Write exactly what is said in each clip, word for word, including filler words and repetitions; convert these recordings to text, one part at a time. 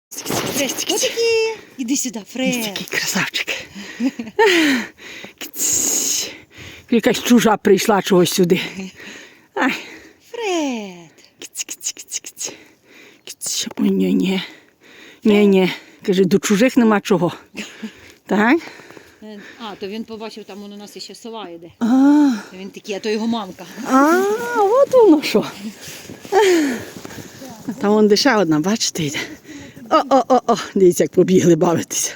Фрестики. Отакі. Іди сюди, Фред. Такий красавчик. Якась чужа прийшла чогось сюди. Ай. Фред. Ой, ні, ні. Ні, ні. Каже, до чужих нема чого. Так? А, то він побачив, там у нас ще сова йде. А, Він такий, а то його мамка. а, от воно що. А там вон де ще одна, бачите, йде. О-о-о-о, дивіться, як побігли бавитися.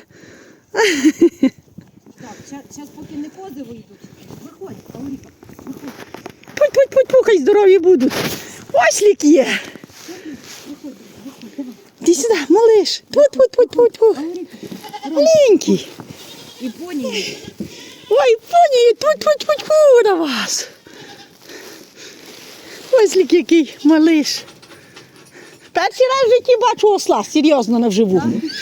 Так, зараз поки не кози вийдуть. Виходь, Ауріка, виходь. Путь, путь, путь, путь, хай здорові будуть. Ось лік є. Виходь, виходь, давай. Іди сюди, малиш. Тут, тут, тут, тут, тут. Ауріка, Маленький. і поні. Ой, поні, тут, тут, тут, тут на вас. Ось лік який малиш. Перший раз в житті бачу осла, серйозно, не вживу.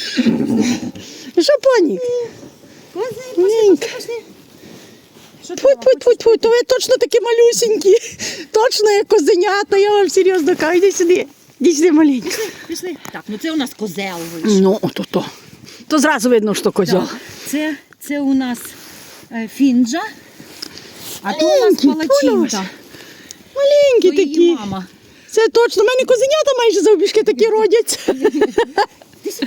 Що, поні? Кози, пошли, пошли, пошли. Що ти Тьфу, мама, тьфу, тьфу, тьфу, то ви точно такі малюсінькі. Точно як козенята, я вам серйозно кажу. Іди сюди, іди сюди маленька. Пішли, пішли. Так, ну це у нас козел вийшов. Ну, то то. То зразу видно, що козьол. Так, це, це у нас е, фінджа, а то у нас Маленький, палачинка. Маленькі То її такі. мама. Це точно. У мене козенята майже завбіжки такі родяться. Ти сюди.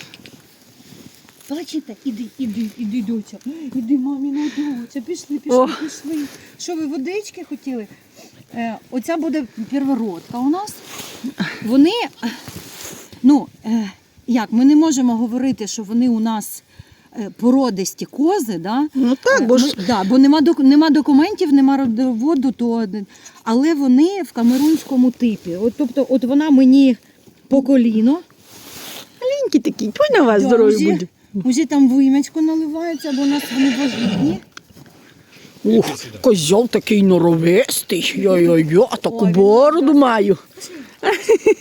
Палачинка, іди, іди, іди, доця. Іди, маміна доця. Пішли, пішли, О. пішли. Що ви водички хотіли? Е, оця буде первородка у нас. Вони, е, ну, е, як, ми не можемо говорити, що вони у нас е, породисті кози, да? Ну так, бо ж Ми- да, бо нема, док- нема документів, нема родоводу, то, але вони в камерунському типі. От, тобто, от вона мені по коліно. маленькі такі. Тьфу на вас Да, здорові уже, будуть. уже там вим'ячко наливається, бо у нас вони вагітні. Ух, козьол такий норовистий. Йо-йо-йо, а таку Ой, він бороду маю. Давай,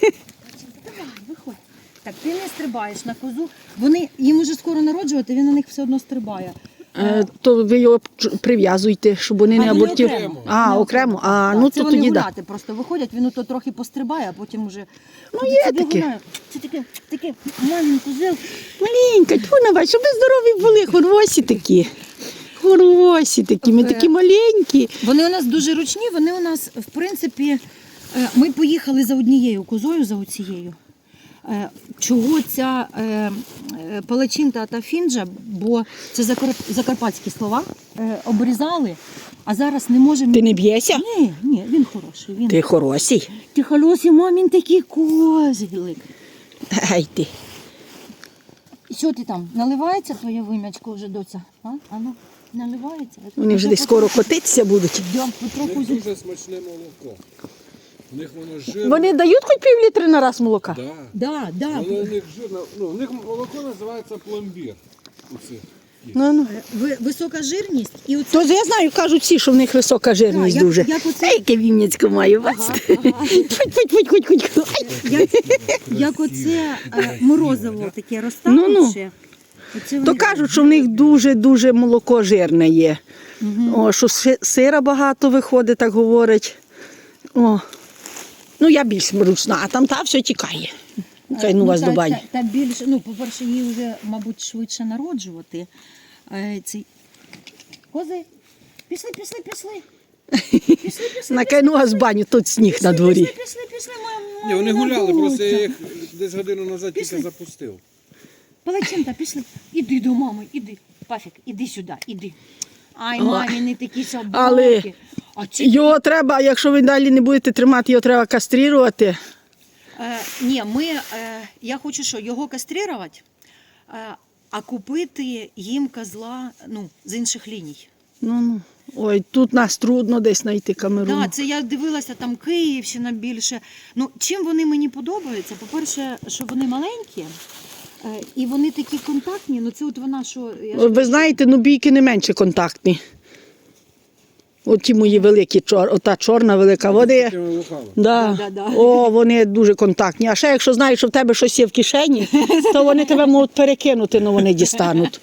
виходь. Так, ти не стрибаєш на козу. Вони, їм уже скоро народжувати, він на них все одно стрибає. Е, то ви його ч- прив'язуйте, щоб вони А не вони абортів. окремо. А, Вони окремо. А, Так, ну це то вони тоді да. гуляти просто виходять, він ото трохи пострибає, а потім уже... Ну, Це є собі таке. гуляє. Це таке, таке, мамін козел. Маленька, тьфу на вас, щоб ви здорові були, хорвосі такі. Хорвосі такі, ми такі маленькі. Вони у нас дуже ручні, вони у нас, в принципі, е, ми поїхали за однією козою, за оцією. Е, Чого ця е, е, палачинка та фінджа, бо це закар- закарпатські слова, е, обрізали, а зараз не можемо... Ти не б'єшся? Ні, ні, він хороший. Він... Ти хороший. Ти хороший, мамін такий козлик. Ай ти. Що ти там, наливається твоє вим'ячко вже, доця? А, а ну, наливається? Вони вже десь скоро котитися будуть. Йдемо У потроху. них зі- дуже смачне молоко. У них воно жирне. Вони дають хоч пів літри на раз молока? Да. Да, да. Воно у них жирне. Ну, у них молоко називається пломбір. У цих. Ну, ну. Ви- Висока жирність і оце... То я знаю, кажуть всі, що в них висока жирність Так, як- дуже. як оце- Ей, яке вім'яцько маю, бачите? Ага, ага. Футь, футь, футь, футь, футь. Ай. Як, як оце е, морозиво таке розтане Ну-ну. ще. Оце То вони- кажуть, що в них дуже-дуже молоко жирне є. О, що си- сира багато виходить, так говорять. О. Ну, я більш ручна, а там та все тікає. Хай ну вас та, до бані. Та, та більше, ну, по-перше, їй вже, мабуть, швидше народжувати. Е, ці... Кози, пішли, пішли, пішли. Пішли, пішли. Накину вас баню, тут сніг на дворі. Пішли, пішли, пішли, моя, Ні, вони моя гуляли, просто я доця. їх десь годину назад Пішли. тільки запустив. Палачинка, пішли. Іди до мами, іди. Пафік, іди сюди, іди. Ай, Ой. мамі, не такі собаки. Але А ці... його треба, якщо ви далі не будете тримати, його треба кастрирувати. Е, ні, ми, е, я хочу що, його кастрирувати, е, а купити їм козла, ну, з інших ліній. Ну, ну. Ой, тут нас трудно десь знайти камеру. Так, це я дивилася, там Київщина більше. Ну, чим вони мені подобаються? По-перше, що вони маленькі, е, і вони такі контактні, ну це от вона, що... Я ж- Ви знаєте, ну бійки не менше контактні. От ті мої великі, чор, ота чорна велика води. Такими вухами. Да. Да, да, да. О, вони дуже контактні. А ще якщо знаєш, що в тебе щось є в кишені, то вони тебе можуть перекинути, але вони дістануть.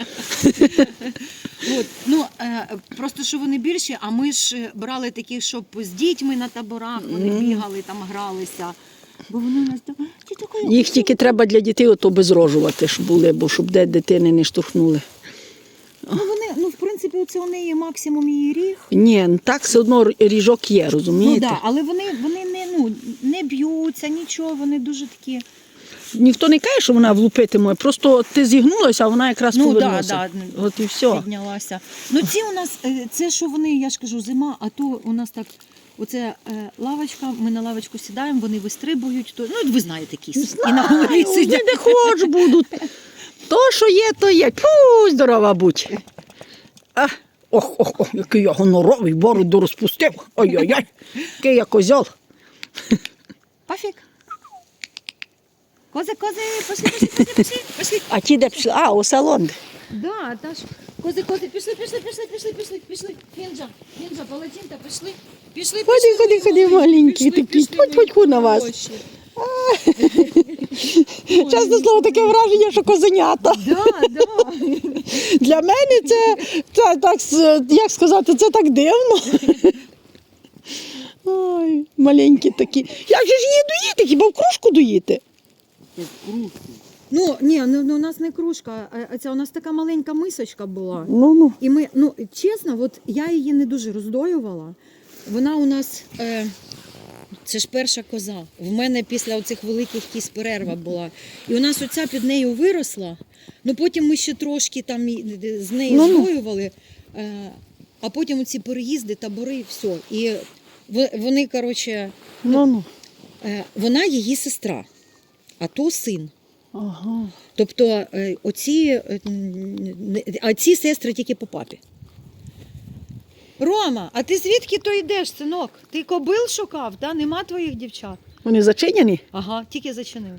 От, ну, е, просто що вони більші, а ми ж брали таких, щоб з дітьми на таборах, вони бігали, там гралися. Бо вони у нас так, ті такої. Їх тільки треба для дітей ото безрожувати, щоб були, бо щоб де дитини не штовхнули. Ну вони, ну в принципі, оце у неї максимум її ріг. Ні, ну так все одно ріжок є, Ну розумієте? так, да, але вони, вони не, ну, не б'ються, нічого, вони дуже такі. Ніхто не каже, що вона влупити може, просто ти зігнулася, а вона якраз Ну, повернулася. да, да. От і все. Піднялася. Ну ці у нас, е, це що вони, я ж кажу, зима, а то у нас так, оце е, лавочка, ми на лавочку сідаємо, вони вистрибують, то, ну ви знаєте кіс. І на голові Ай, сидять. де хоч будуть. То, що є, то є. Пу, здорова будь. А, ох, ох, ох, який я гоноровий, бороду розпустив. Ой-ой-ой, який я козьол. Пафік. Кози, кози, пошли, пошли, пошли, пошли, пошли. А ті де пішли? А, у салон. Да, та ж. Кози, кози, пішли, пішли, пішли, пішли, пішли, пішли. Фінджа, фінджа, палатінта, пішли. Пішли, Ходи, пішли, ходи, ходи, маленькі такі. Тьфу-тьфу-тьфу на вас. Хороші. Чесне слово, таке враження, що козенята. Да, да. Для мене це, це так, с- як сказати, це так дивно. Ой, маленькі такі. Як же ж її доїти? Хіба в кружку доїти? Так кружку. Ну, ні, ну, ну у нас не кружка, а це у нас така маленька мисочка була. Ну, ну. І ми, ну, чесно, от я її не дуже роздоювала. Вона у нас, е, це ж перша коза. В мене після оцих великих кіз перерва була. І у нас оця під нею виросла. Ну потім ми ще трошки там і- з нею Ну, ну. здоювали. Е, а потім оці переїзди, табори, все. І в- вони, коротше, Ну, ну. е, вона її сестра, а то син. Ага. Тобто е, оці, е, н- а ці сестри тільки по папі. Рома, а ти звідки то йдеш, синок? Ти кобил шукав, да? Нема твоїх дівчат? Вони зачиняні? Ага, тільки зачинив.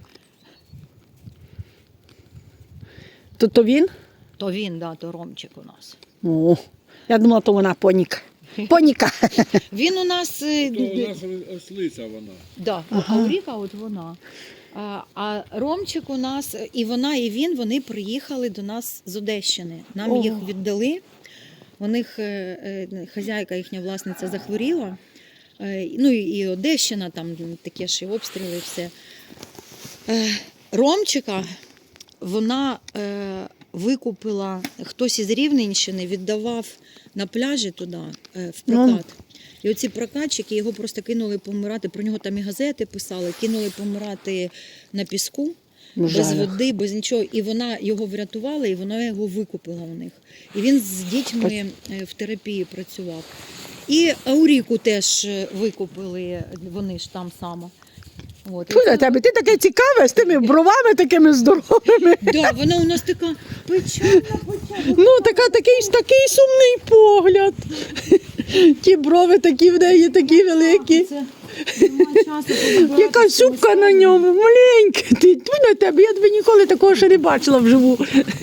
То, то він? То він, да, то Ромчик у нас. О, я думала, то вона поніка. Поніка. Він у нас, е, То у нас ослиця вона. да, а Ауріка от вона. А, а Ромчик у нас, і вона, і він, вони приїхали до нас з Одещини. Нам Ого. їх віддали. У них е, е, хазяйка, їхня власниця захворіла. Е, ну і і Одещина, там таке ж і обстріли, і все. Е, Ромчика вона е, викупила, хтось із Рівненщини віддавав на пляжі туди, е, в прокат. І оці прокатчики його просто кинули помирати, про нього там і газети писали, кинули помирати на піску, без Жаль. води, без нічого. І вона його врятувала, і вона його викупила у них. І він з дітьми е, в терапії працював. І Ауріку теж е, викупили, вони ж там само. От. І Фу, це- на тебе, ти таке цікаве з тими бровами такими здоровими. Да, вона у нас така печальна, печальна. Ну, така, такий, такий сумний погляд. Ті брови такі в неї, такі великі. Це немає часу подивитися. Яка супка на ньому, маленька. Ти тьфу на тебе, я тебе ніколи такого ще не бачила вживу.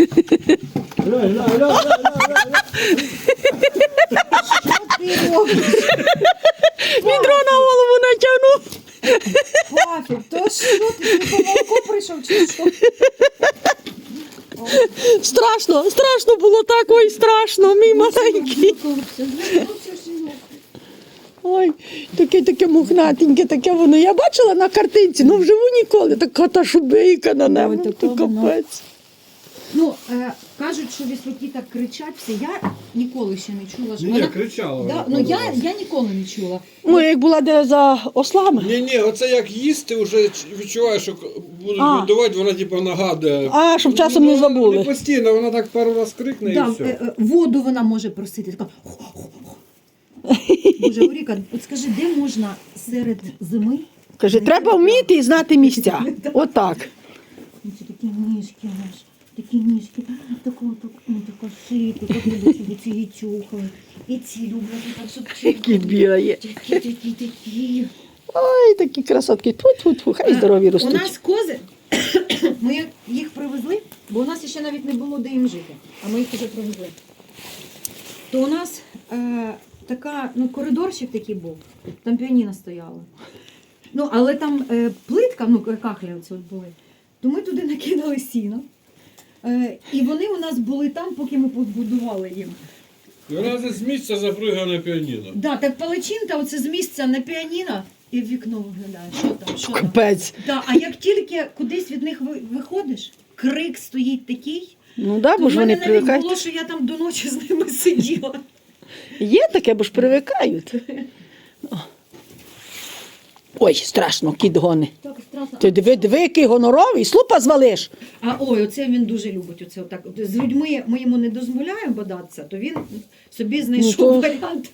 Ти робиш, Відро на голову натягнув. Пафік, то що ти по молоку прийшов чи що? Страшно, страшно було так, ой, страшно, мій маленький. Ой, таке таке мухнатеньке, таке воно. Я бачила на картинці, ну вживу ніколи. Така та шубейка на небо, Ой, то така вона. капець. Ну, е, кажуть, що віслюки так кричать всі. Я ніколи ще не чула. що Ні, вона- кричала Да, вона ну, пару я, разів. я ніколи не чула. Ну, як була де за ослами. Ні, ні, оце як їсти, вже ч- відчуваєш, що к- будуть А. годувати, вона типу нагадує. А, щоб часом не Ну, забули. Не постійно, вона так пару раз крикне Да, і все. е, е, воду вона може просити. Така. Боже, Оріка, от скажи, де можна серед зими? Каже, треба вміти і знати місця. Отак. Ну, це такі ніжки у нас, такі ніжки, таку, таку, ну, така шийка, так люблять, і ці її чухали, і ці люблять, так, щоб Які бігає. Такі, такі, такі. Ой, такі красотки. Тьфу-тьфу-тьфу, хай здорові У ростуть. нас кози, ми їх привезли, бо у нас ще навіть не було де їм жити, а ми їх вже привезли. То у нас е, така, ну, коридорчик такий був, там піаніно стояло. Ну, але там е, плитка, ну, кахлі оці от були, то ми туди накидали сіно. Е, і вони у нас були там, поки ми побудували їм. І вона з місця запригає на піаніно. Да, так палачинка оце з місця на піаніно, і в вікно виглядає. Що там? Що там? Капець. Да, а як тільки кудись від них ви- виходиш, крик стоїть такий, Ну да, то бо в ж вони мене навіть привикають. було, що я там до ночі з ними сиділа. Є таке, бо ж привикають. О. Ой, страшно, кіт гони. Так страшно. Ти диви, диви, який гоноровий, слупа звалиш. А ой, оце він дуже любить. Оце отак. З людьми ми йому не дозволяємо бодатися, то він собі знайшов Ну, то- варіант.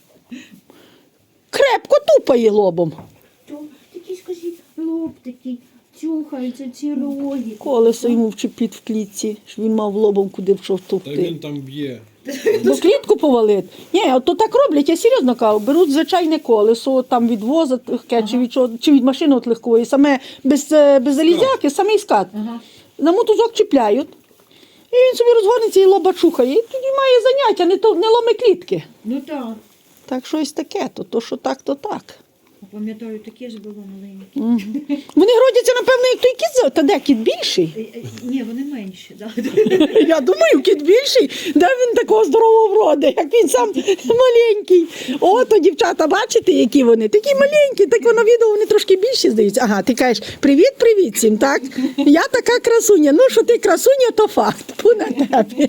Крепко тупає лобом. То такий, скажіть, лоб такий, чухаються ці роги. Колесо йому вчепіть в клітці, щоб він мав лобом куди пішов Та він тупти. там б'є. Бо клітку повалить. Ні, от то так роблять, я серйозно кажу, беруть звичайне колесо, от там від воза легке, чи, від, чого- чи від машини от легкої, саме без, е, без залізяки, самий скат. Ага. На мотузок чіпляють, і він собі розгорнеться і лоба чухає. І тоді має заняття, не, то, не ломи клітки. Ну так. Так щось таке, то, то що так, то так. Пам'ятаю, таке ж було маленьке. Мгм. Вони родяться, напевно, як той кіт. Та де кіт більший? Е, е, Ні, вони менші. Да. Я думаю, кіт більший. Де він такого здорового вроди, як він сам маленький. О, то дівчата, бачите, які вони? Такі маленькі, так воно відео, вони трошки більші здаються. Ага, ти кажеш, привіт-привіт всім, так? Я така красуня. Ну, що ти красуня, то факт. Пу на тебе.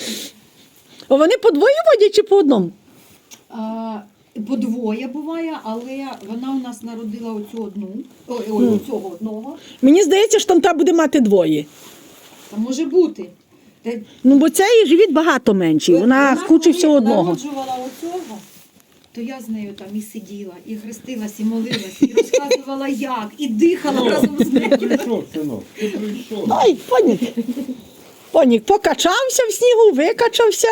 О, вони по двоє водять чи по одному? А, по двоє буває, але вона у нас народила оцю одну, ой, ой, оцього одного. Мені здається, що там та буде мати двоє. Та може бути. Та, Ну, бо цей живіт багато менший, вона хоче все коли одного. народжувала оцього, то я з нею там і сиділа, і хрестилась, і молилась, і розказувала як, і дихала разом з нею. Прийшов, синок, ти прийшов. Ой, понік. Понік покачався в снігу, викачався.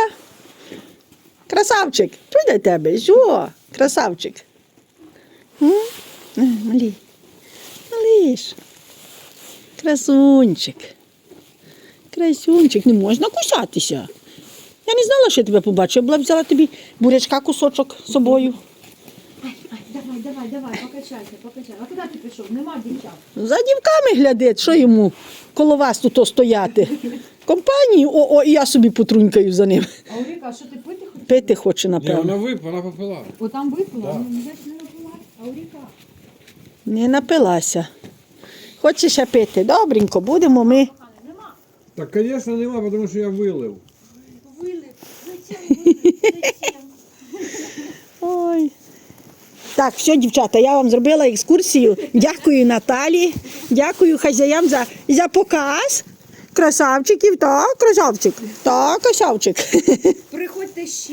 Красавчик, чуй до тебе, що? Красавчик. М? Е, Малій. Малиш. Красунчик. Красунчик, не можна кусатися. Я не знала, що я тебе побачу. Я була б взяла тобі бурячка кусочок з собою. Ай, ай, давай, давай, давай, покачайся, покачайся. А куди ти пішов? Нема дівчат. За дівками глядить, що йому коло вас тут стояти. Компанії, о, о, і я собі потрунькаю за ним. А Уріка, а що ти пити хочеш? Пити хоче, Ні, напевно. вона випила, вона попила. О, там випила? Да. Ну, я ж не випила. А Уріка? Не напилася. Хоче ще пити? Добренько, будемо ми. Нема. Так, звісно, нема, тому що я вилив. Вилив. Зачем вилив? Зачем? Ой. Так, все, дівчата, я вам зробила екскурсію. Дякую Наталі, дякую хазяям за, за показ. Красавчиків, так, красавчик. Так, красавчик. Приходьте ще.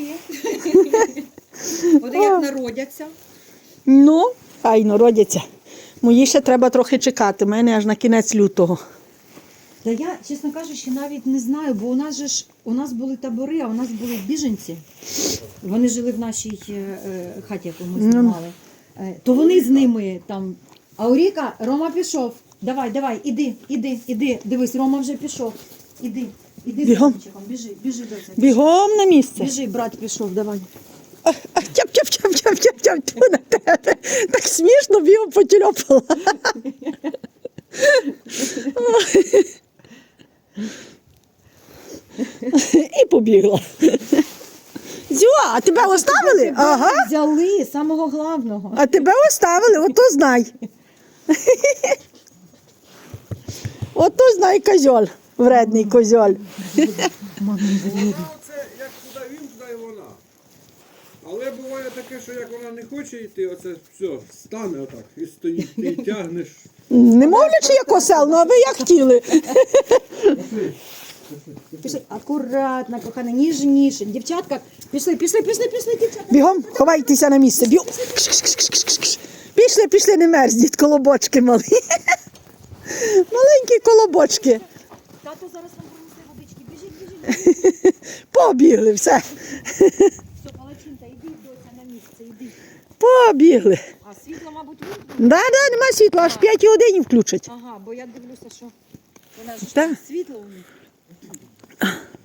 От як народяться. Ну, файно, родяться. Мої ще треба трохи чекати, мене аж на кінець лютого. Та я, чесно кажучи, навіть не знаю, бо у нас же ж у нас були табори, а у нас були біженці. Вони жили в нашій е, е, хаті, яку ми знімали. Е, то вони з ними там. А Уріка, Рома пішов. Давай, давай, іди, іди, іди. Дивись, Рома вже пішов. Іди, іди з Бігом. Ромчиком, біжи, біжи до цього. Бігом на місце. Біжи, брат пішов, давай. А, а, тяп, тяп, тяп, тяп, тяп, тяп, тьфу на тебе. Так смішно бігом потільопала. І побігла. Зю, а тебе оставили? Ага. Взяли самого главного. А тебе оставили, ото знай. Ото знай козьоль, вредний козьоль. Вона оце, як туди він, туди і вона. Але буває таке, що як вона не хоче йти, оце все, стане отак і стоїть, ти її тягнеш. Не мовлячи як осел, ну а ви як хотіли. Пішли, акуратно, кохана, ніжніше. Дівчатка, пішли, пішли, пішли, пішли, дівчатка. Бігом, ховайтеся на місце. Бігом. Кш-кш-кш-кш-кш. Пішли, пішли, не мерзніть, колобочки малі. Маленькі колобочки. Тато зараз вам принесе водички. Біжіть, біжіть, біжіть. Побігли, все. Все, Палачинка, іди, доця, на місце, іди. Побігли. А світло, мабуть, вимкнуть? Да, да, нема світла, аж в п'ятій годині включать. Ага, бо я дивлюся, що вона ж Так. світло у них.